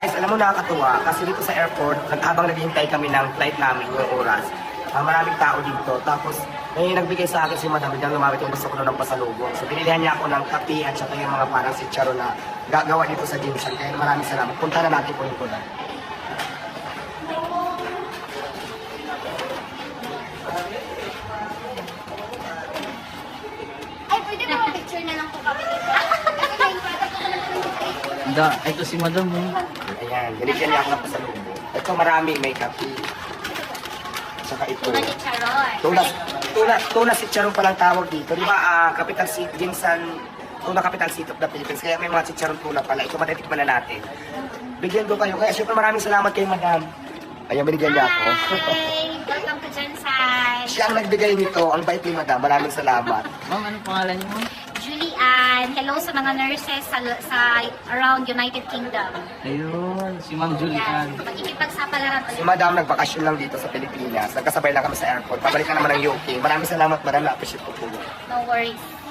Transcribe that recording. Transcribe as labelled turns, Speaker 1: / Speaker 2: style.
Speaker 1: Guys, alam mo nakakatuwa kasi dito sa airport, habang naghihintay kami ng flight namin yung oras, maraming tao dito. Tapos may nagbigay sa akin si Madam, biglang lumapit yung gusto ko ng pasalubong. So binilihan niya ako ng kape at saka yung mga parang sitsaro na gagawa dito sa Dimsum. Kaya maraming salamat. Punta na natin po yung kunan.
Speaker 2: Ay, pwede ba picture na lang po kami dito?
Speaker 3: Ito si Madam.
Speaker 1: Ayan, binigyan niya ako ng pasalubong. Ito marami, may kape. Saka ito.
Speaker 2: Tuna ni Charoy.
Speaker 1: Tuna si Charon palang tawag dito. Di ba, capital city, Jinsan, tuna capital city of the Philippines. Kaya may mga si Charon tuna pala. Ito matitikman na natin. Bigyan ko kayo. Kaya syempre maraming salamat kay Madam. Ayan, binigyan niya ako.
Speaker 2: Hi! Welcome to Jensen.
Speaker 1: Siya ang nagbigay nito. Ang bait ni Madam. Maraming salamat.
Speaker 3: Ma'am, anong pangalan niyo?
Speaker 2: Julian. Hello sa mga nurses sa around United Kingdom.
Speaker 3: Ayun, si Ma'am
Speaker 2: Yan.
Speaker 3: Julian.
Speaker 2: Makikipagsapalaran
Speaker 1: Si
Speaker 2: ulit.
Speaker 1: Madam nagpakasyon lang dito sa Pilipinas. Nagkasabay lang kami sa airport. Pabalik na naman ng UK. Maraming salamat. Madam, na-appreciate ko po.
Speaker 2: No worries.